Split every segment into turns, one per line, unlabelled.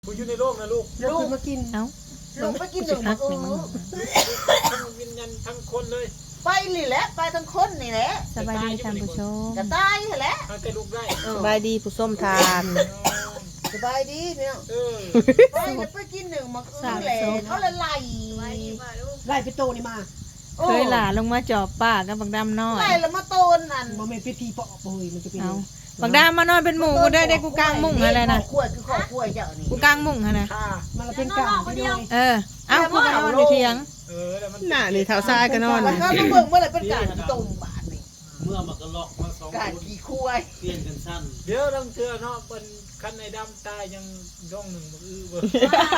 กูอยู่ในโลกนะลูก
ลูกมากิน
เอ้า
ลูกไปกินหนึ่ง
พักหนึ่งมึง
ทั้งวิญญาณทั้งคนเลย
ไปนี่แหละไปทั้งคนนี่แหละ
สบายดีท่านผู้ชม
กระตายแหละ
ทั้งแต่ลูกได้
สบายดีผู้ส้มทาน
สบายดีพี่น้อง
เออ
ไปแล้วไปกินหนึ่งมาคืนแหละเขาละไล่
ไล่ไปโตนี่มา
เคยหลาลงมาจอบป้ากับบักดำน้อย
ไล่แล้วมาโตนนั่น
บ่แม่นเป็นผีปอบบ่เฮ้ยมันจะเป็น
เอาบักดำมานอนเป็นหมู่กูได้กูกลางมุ้งอะไรนะ
ขวดคือขอขวดเจ้านี่
กูกลางมุ้งอะไร
ค่ะ
มันละเป็นกลางพี่น้อย
เออเอ้ากูก็นอนอยู่เถียง
เออแล้วมัน
น่ะนี่เท้าซ้ายก็นอน
แล้วก็มาเบิ่งเมื่อไหร่เป็นการตุ่มบาทนี่
เมื่อมันก็ล็อกมาสอง
การ
คน
ขี้ควาย
เปลี่ยนกันสั้น
เดี๋ยวต้องเชื่อเนาะเป็นคันในดำตายยังย่องหนึ่งมือเบอร์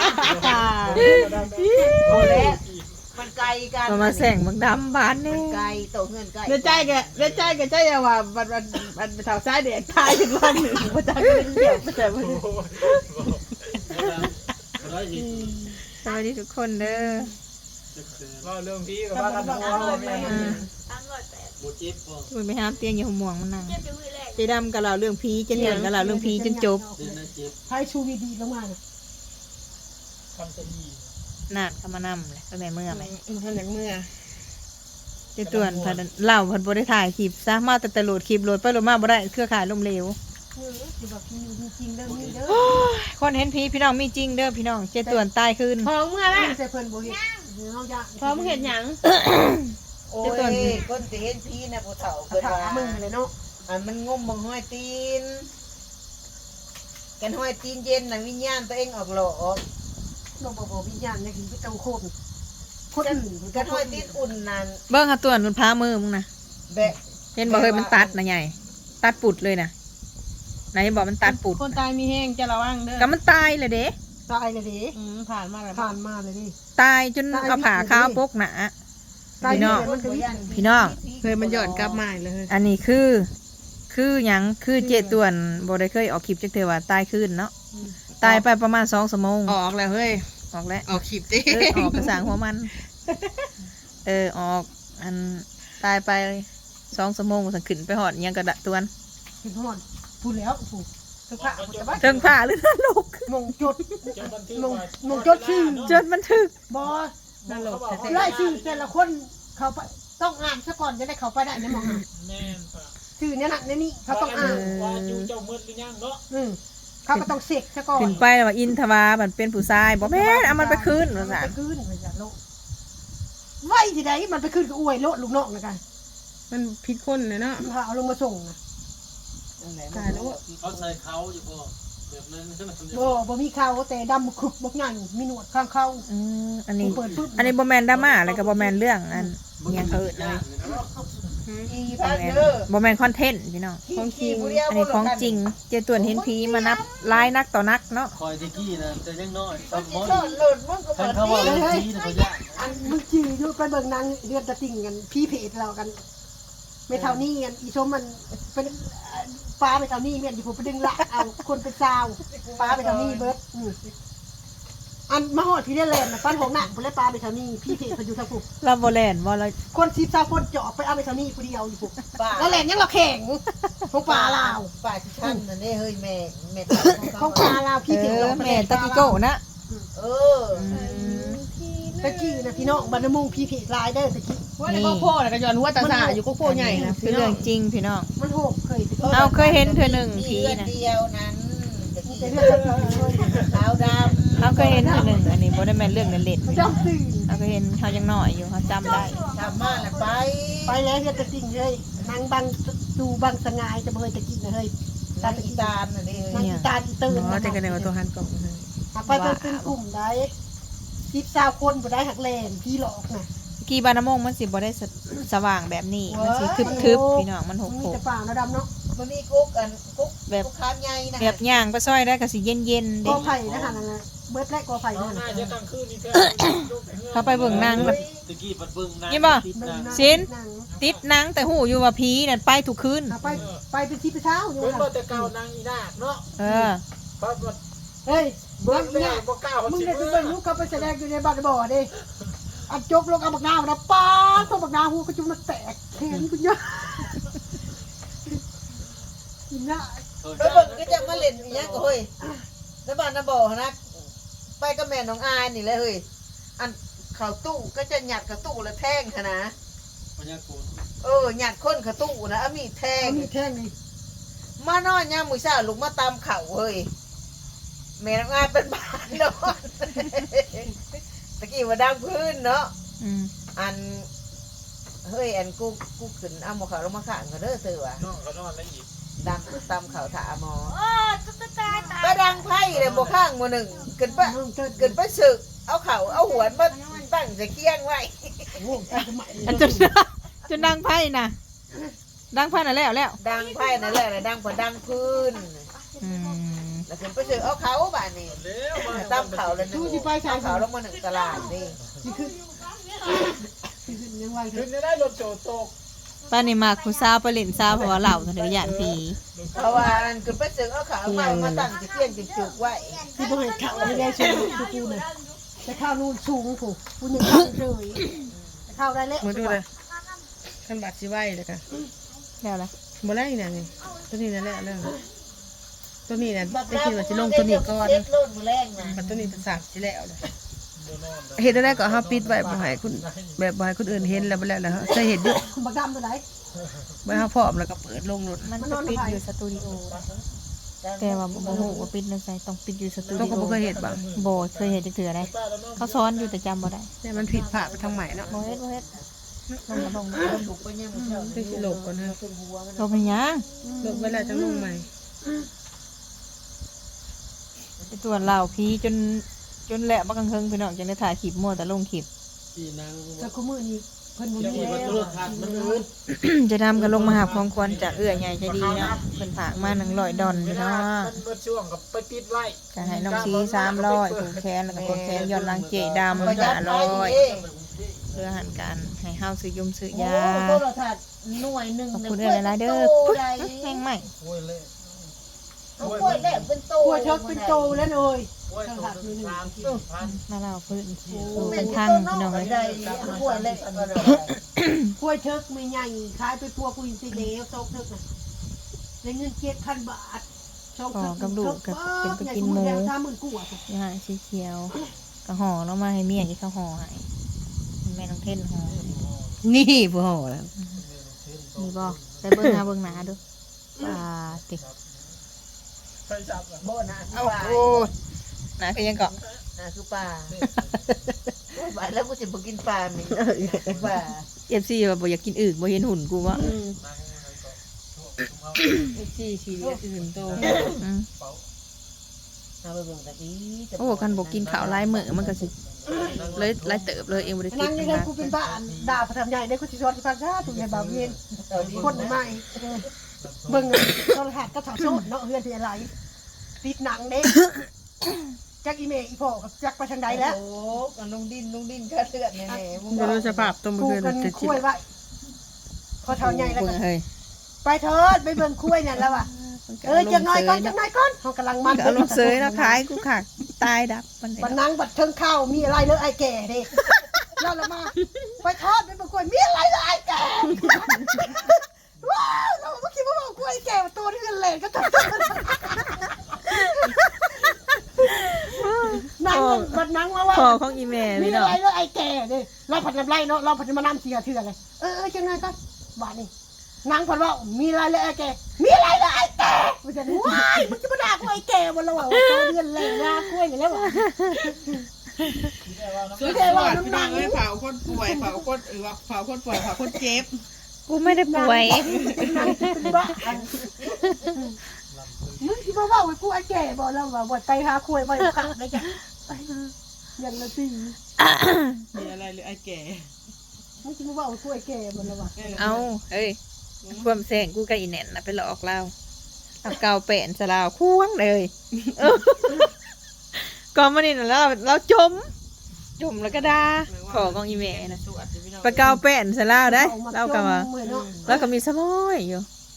โอ้แล้วมันไกลกัน
ก็มาแสงบักดำบ้าน
มั
นี่
นไกลโตเงินไกล
เดี๋ยวใจแกเดี๋ยวใจแกใจอย่าว่าบัดเท้าซ้ายเด็กตายถึงวันหนึ่งบ่จักเรื่องเดียวบ่จักว่า
ร้อยสิบ
สวัสดีทุกคนเด้อ
ว่าเรื่องพี่กับว่ากันหัวเราแม่
อืม
โมจิบก็
กูไปห้ามเตียงอยู่หัวหม่วงมันนั่งเจดำกับเราเรื่องผีเจเตียนกับเราเรื่องผีจนจบ
เดินนะเจ็บ
ไผชูวีดีลงมาน่ะ
ทำจะดี
นาดเข้ามานำเลยก็แม่เมื่อไหม
ท่านอย่างเมื่อ
เจตวนพันเล่าพันบ่ได้ถ่ายคลิปซะมาแต่โหลดคลิปโหลดไปโหลดมาบ่ได้เครือข่ายล้มเหลว
คือแบบผีมีจริงเด้อมีเด้อ
คนเห็นผีพี่น้องมีจริงเด้อพี่น้องเจตวนตายคืน
พอเมื่อละ
ใส่เพิ่นบ่เฮ็ดเฮาอยาก
พอมึงเห็นหยัง
โอ้ยคนสิเห็นพี่นะผู้เฒ่า
กระ
เพิ่น
ถา
ว่า
มึงเลยเนาะ
อันมันงมบังห้อยตีนกันห้อยตีนเย็นน่ะวิญญาณตัวเองออกหลอก
เราบ่วิญญาณเนี่ยคือไปเจ้าโคตรคนอื่น
กันห้อยตีนอุ่นนั่น
เบิ่งหาตวนมันพามือมึงนะ
แบะ
เห็นบอกเฮ้ยมันตัดนะใหญ่ตัดปุดเลยนะไหนบอกมันตัดปุด
คนตายมีแห้งจะระวังเด้อ
ก็มันตายเลยเด้
ตายเลยดิ
ผ่านมาแล้ว
ผ่านมาเลยดิ
ตายจนเอาผ่าข้าวปกหนา
ตาย
พี่น้อง
มันก็วิ
พี่น้อง
เคยมันหย่อนกลับมาเลย
อันนี้คือหยังคือเจตวนบ่ได้เคยออกคลิปจักเทื่อว่าตายคืนเนาะตายไปประมาณ2 ชั่วโมง
ออกแล้วเฮ้ย
ออกแล้ว
ออกขีบดิ
ออกกระสางหัวมันออกอันตายไป2 ชั่วโมงสังขึ้นไปหอดอิหยังกระดะตวน
เห็นฮอดพูดแล้วถูกทุกพระพุทธบัตร
เทิงผ่าหรือนั่นลูก
มงจด
จะบันทึก
มงจดชื่อ
จนมันถึก
บ่
นั่นหลบ
ไล่ชื่อแต่ละคนเขาไปต้องอ่านซะก่อนจะได้เขาไปได้ในมองอ่าน
แม่นป่ะ
ชื่อเนี่ยนะในนี่เขาต้องอ่าน
ว่าอยู่เจ้ามืดหรือยังเนาะ
เขาก็ต้องเสกซะก่อน
ขึ้นไปแล้วว่าอินทวามันเป็นผู้ชายบ่แม่นเอามันไปคืนว่า
มั
ซั่
น
น
ไปคืนมันจะโลกไว้ที่ใดมันไปคืนกับอวยโลดลูกน้องนะกัน
มันผิดคนเลยเนาะ
พาเอาลงมาส่งนะ
ตายแล้ว
เขาใส่เขาอยู่พอแบบนั้นนั่น
บ่มีเขาแต่ดำคุบบ่งันมีหนวดข้างเข้า
อันนี้
เปิดปุ๊บ
อันนี้บ่แม่นดราม่าอะไรก็บ่แม่นเรื่องอันอิหยังเอิ้นเลย
อี
บ่
พัน
แม่น
เด้อ
บ่แม่นคอนเทนต์พี่น้อง
ขี้ผู้เดียว
อันนี้ของจริง เจตวนเห็นผีมานับหลายนักต่อนักเนาะ
คอยตะกี้นะแต่ยังน้อย
มั
ต้
น
อง
สิ
มอน
โดดหลุดมันก็
ท่าน
บ่
เขาว่า
ดี
เรื่องที่เขายาก
อันมึงจื้ออยู่ไปเบิ่งนางเรือนตะติ่งกันพี่เพจเรากันไม่เท่านี้กันอีชมมันเป็นฟ้าไปเท่านี้เมียนอยู่ผมไปดึงละเอาคนเป็นซาวฟ้าไปเท่านี้เบิดอันมาหอดพี่ได้แลนด์นะปั้นของหนักผมเลยปลาไปเท่านี้พี่เพจเขาอยู่ทางผม
เราบ่แล่นบ่เรา
คน10-20คนเจาะไปเอาไปเท่านี้ผู้เดียวอยู่ผม
ป่า
แล้วแลนด์ยังเราแข่งของปลาลาว
ป่าที่ท่านนั่นเด้เฮ้ยแม่
ของปลาลาวพี่เพจ
แม่ตะกี้โก้นะ
เออ
ตะกี้นะพี่น้องบรรณมุงพี่เพจลายเด้อตะกี้
ว่าในก็โพ่แล้วก็ย้อนหัวตาสาอยู่ก็โพ่ใหญ่นะ
คือเรื่องจริงพี่น้อง
มันโหกเคย
เอาเคยเห็นเธอหนึ่งผีนะ
เดียวนั้นตะ
มี
กี้
แต่เรื่องเรื่องเลย
ขาวดำ
เขาเคยเห็นเธอหนึ่งอันนี้บ่ได้แม่นเรื่องเล่นๆ
เขา
พี่
จ
น้อง
ำตื่น
เขาก็เห็นเขายังน้อยอยู่เขาจำได้
ทำมาแล้วไป
ไปแล้วเฮ็ดตะกิ่งเลยนางบังดูบังสงายจะเบยตะกิ่งเลย
ตาตะกี้ตาลน่ะเด้
นางอีตาอีตื่น
อ๋อแต่กันในว่าตัวหันกล่องเลย
ไปเป็นกลุ่มได้10-20คนบ่ได้หักแลนพี่หลอกน่ะ
กี่บานน้ำมงมันสิบ่ได้สว่างแบบนี้มันสิทึบๆพี่น้องมันห
มันมี
ก
แต่ป่านะดำเนาะ
มันมีกุ๊กอันกุ๊กกุ๊กค้ามใหญ่นะ
ๆแบบย่างไปซอยได้ก็สิเย็นๆ
ก
เด้
อไผ่นะฮะนั่นน่ะเบิดและกอไผ่
เอา
นั่น
หน้า
น่ะ
จะกลางคืนนี่แท้
เขาไปเบิ่งนางแบบ
ตะกี้ปัดเบิ่งนะ
นี่บ่
ติดนะ
สิน ติดหนังแต่หูอยู่ว่าผีนั่นไปทุกคืน
ไปเป็นที่ไปเช้าอยู่
เบิ่ง
น่ะ
บ่แต่เก่านางอีนาคเนาะ
เออ
เพราะว่า
เฮ้ย
เบิ่
บั
ง
ง
แล้
เนี่
วย บ่กล้า
มึง
สิ
ได้ไป
เบิ่
เบิ่
ง
งลูกเขาไปแสดงอยู่ในบ้านบ่อดิอันจกลงเอาบักนาวนะป้าตัวบักนาวหูก็จุ่มมันแตกแขนกูเยอะกินน่ะ
เออ
ไปเบิ่งก็จะมาเล่นอีหยังก็เฮ้ยแล้วบ้านน่ะบ่นะไปกับแม่น้องอายนี่แหละเฮ้ยอันเข้าตู้ก็จะหยัดเข้าตู้แล้วแทงค่ะนะ
พญาโกน
หยัดคนเข้าตู้นะเอามีดแทง
มีแท่งนี่
มานอนยามมื้อเช้าลุกมาตามเข่าเฮ้ยแม่น้องอายเป็นบ้านนอนตะกี้ว่าดังพื้นเนาะ
อืม
อันเฮ้ยอันกูขึ้นเอาหมอเขาลงมาข้างก็เด้อเตือ
น้องเขานอนแล้วอีก
ดังตามเขาถาหมอไปดังไพ่เลยบ่ข้างหมู่หนึ่งขึ้นไป
น้องเติร์ด
ขึ้นไปสึกเอาเข่าเอาหัวมาตั้งจะเคียงไว้
โอ้ไปสมัย
อันจนดังไพ่น่ะดังไพ่น่ะแล้ว
ดังไพ่นั่นแหละดังกว่าดังพื้น
อืม
แล้วขึ้นไปสึกเอาเขาบ้านนี่
แล้วมา
ตามเขาเลยเอาเขาลงมาหนึ่งตลาดนี่
นี่คือยังไง
ขึ้นได้รถโจตก
ป้านี่มากผู้สาวไปเล่นสาวเพราะว่าเหล่าเถอะย่านผี
เพราะว่าอันขึ้นไปสึกเอาเขามาตั้งจะเคียงจะจุกไว้
ที่บ่ให้ข่าวไม่ได้ช่วยกูน่ะแต่ข้าวนู่นสูงผู้กูยังข้าวเลยแต่ข้าวได้แล้ว
มาดูเลยขันบาดสิไหวเลยค่ะ
แล้วล่ะ
บ่แรกนี่นี่ตัวนี้นั่นแหละเรื่องตัวนี้น่ะได้คิดว่าสิลงตัวนี้ก่อน
เซ็ตรุ่นมือแรงนะ
บัดตัวนี้เป็นสามสิแล้วเลย
เดี๋ยวนอน
เฮ็ดได้ก็เฮาปิดไว้บ่ให้คุณแบบบ่ให้คนอื่นเห็นแล้วบ่แล้วล่ะใส่เฮ็ดอยู่
บักดำตัวไหน
บ่ให้เฮาพร้อมแล้วก็เปิดลงรถ
มันจะปิดอยู่สตูดิโอแต่ว่าบ่ฮู้ว่าปิดในไสต้องปิดอยู่สตู
ต้อ
ดิ
งก็
โอ
บ่เคยเฮ็ดบ่
บ่เคยเห็นจักเทื่อได้เขาสอนอยู่แต่จำบ่ได้
แต่มันผิดพลาดไปทางใหม่เนาะ
บ่เฮ็ดลง
บุกไปเนี่ยมันเช้า
ได้สิโลกก่อนเฮา
ขึ้นหัวมัน
ลงเป็นหยัง
โลกไว้แล้วจังลงใหม่
ไปตรวจเหล่าผีจนแหละบักกังเฮิงพี่น้องจังได้ถ่ายคลิปมั่วแต่ลงคลิป
ที่นาง
แต่กูมือนี้เพิ่นบ่
ที่
มี
มัน
แล้ว
โทรทัศน์มันอืด
จะนำกันลงมาหาของควรจากเอื้อใหญ่ใจดีเนาะเพิ่นฝากมา100ดอล
เว
พี่
ลา
เนาะ
มันเบิดช่วงกับไปติดไว้
จะให้น้องซี300ผูกแขนแล้วก็กดแขนย้อนหลังเจดำ
ประหยัดไป
500
เอง
เพื่อหันกันให้เฮาซื้อยมซื้อ
โอ้
ยา
โทรทัศน์หน่วยหนึ่ง
ขอบ
เนี่ย
คุณเอื้อหลายๆเด้อปึ๊กแห้งใหม่
โอ้ยเละ
เอากล้วยแหลมเป็นโต
กล้วยเทิกเป็นโตแล้วเลย
โอ้ยตัวนึง3,000
มาเล่าพื้น
เป็
เป็น น
ทา
ทาง ง
พี่
พี่
น้
น้
อ
อง ง
เล
เลย ย
เอากล้วยแหลมกันเลย
กล้วยเทิกไม่ใหญ่ขายไปปัวกูอินซีเดียวโตกเทิกน่ะได้เงิน7,000 บาทช่องเทิก30,000กว่า
นี่ฮะสีเขียวกระห่อเนาะมาให้เมียที่เขาห่อให้แม่น้องเท่นห่อ
นี่ผู้ห่อแล้ว
นี่บ่ไปเบิ่งหน้าเบิ่งหน้าดูปาติ
ไปจับอ่ะ
โบนะคือ
เอ้า
ปลา
โอ้หน้าก็ยังเกาะ
นะคือปลาปลาแล้วกูจะไปกินปลาไหมปลา
FC ว่าบ่อยากกินอึบ่เห็นหุ่นกูว่า
สี่สี่เหลี่ยมอื่นโต
อืม
เอาไปเบิ่งตะกี้
โอ้คันบ่กินข้าวหลายมื้อมันก็สิเลยหลายเติบเลยเองบ่ได้ติ
นั่
ด
ง
นะ
ยังไงกูเป็นบ้าด่าประทำใหญ่ได้กูสิสอนที่พักชาถูกใหญ่บ่าวเย็นคนใหม่เบิ่งโทรทัศน์ก็ถอดโซ่เนาะเฮือนที่อะไรติดหนังเด้จักอีเมย์อีพ่อกับจักไปทางใดแล้ว
โอ้กันลุงดินแค่เลือดแน่ๆมึง
บ่รู้สภาพต้ม
กู
เพื่อน
กัน
จะ
คุยไว้พอเท่าใหญ่แล้ว
เบิ่
ก็
งเฮ้ย
ไปเถิดไปเบิ่งคุยนั่นแล้วว่ะจังน้อยก่อนเขากำลัง
มั
มัน น
ก็อารมณ์เสยเนาะขายกูขาดตายดับมัน
บันนังบัดเทิงข้าวมีอะไรเลยไอ้แก่เด้ย้อนละมาไปทอดไปเบิ่งคุยมีอะไรเลยไอ้แก่ว้าวเราเมื่อกี้ว่าคุยแก่ตัวที่เป็นเหลนก็ตัดนั่งบัดนังว่า
พอของอีแม่
มี
พี่
อะ
น้อง
ไรเลยไอ้แก่เด้เราผัดน้ำไรเนาะเราผัดมานำเสียเถื่อนเลยจังไงก็บ้านนี่นางผัดว่ามีอะไรเลยไอ้แก่มีอะไรเลยไอ้แก่มันจะว้ายมันจะมาด่ากูไอ้แก่มันแล้วว่าตัวเดือนเลยนะคุยอย่างแล้วว่ะ
สุดยอดพี่น้องเอ้ยเผาคนป่วยเผาคนเผาคนป่วยเผาคนเจ็บ
กูไม่ได้ป่วย
นางเป็นบ้ามึงที่มาว่าไอ้กูไอ้แก่บอกแล้วว่าไปหาคุยไปขาดเลยจ้ะอย่างละสิ
มีอะไรหรือไอ้แก่
มึงที่มาว่าไอ้กูไอ้แก่บอกแล้วว่า
เอาเฮ้ยความแสงกูกับอีแหน่นน่ะไปหลอกเราเอาเกาแป้นซะลาวควงเลยก่อนมานี่น่ะเราจมแล้วก็ด่าขอของอีแม่น่ะไปเกาแป้นซะลาวได้เราก็ว่าแล้วก็มีสมอยอยู่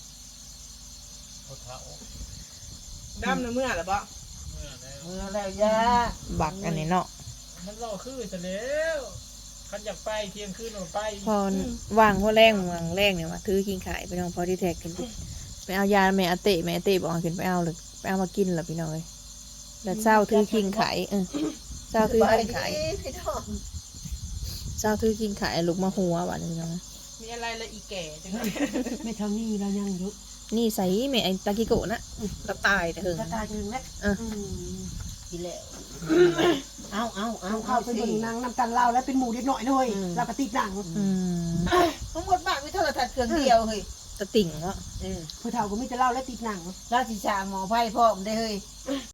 ดำในเมื่อหรือเปล่า
เมื่อแล้วย่า
บักอันนี้เนาะ
มันรอคือจะแล้วคันอยากไปเที่ยงคืนเราไป
พอว่างพอแรงเนี่ยมาถือกินขายไปน้องพอที่แท็กกันไปเอายาแม่อาเต้บอกให้ขึ้นไปเอาเลยไปเอามากินล่ะพี่น้องเอ้ยแล้วเช้าถือคิงขายเจ้า
ส
ถือบ
าย
กิน
ดี
ขาย
พี่น้อง
เจ้าถือกินขายลูกมาหัวบาดนี้นะ
มีอะไรละอีแก่จังเลย
ไม่เท่านี้เรายังอยู่
นี่ใส่แม่ไอ้ตากิโกะนะกระตายแต่เถิง
กระตายถึงแล้ว
กินแล้วเอา
เอาเข้าไปเบิ่งนางนำกันเล่าแล้วเป็นหมูเด็กหน่อยด้วยเราก็ติดหนัง
อืม
ทั้งหมดบ้านมีโทรทัศน์เครื่องเดียวเฮ้ย
ตะติ่งเนาะ
ผู้เฒ่าก็มีแต่เล่าและติดหนัง
ราชชาหมอไพ่พ่อมได้เฮ้ย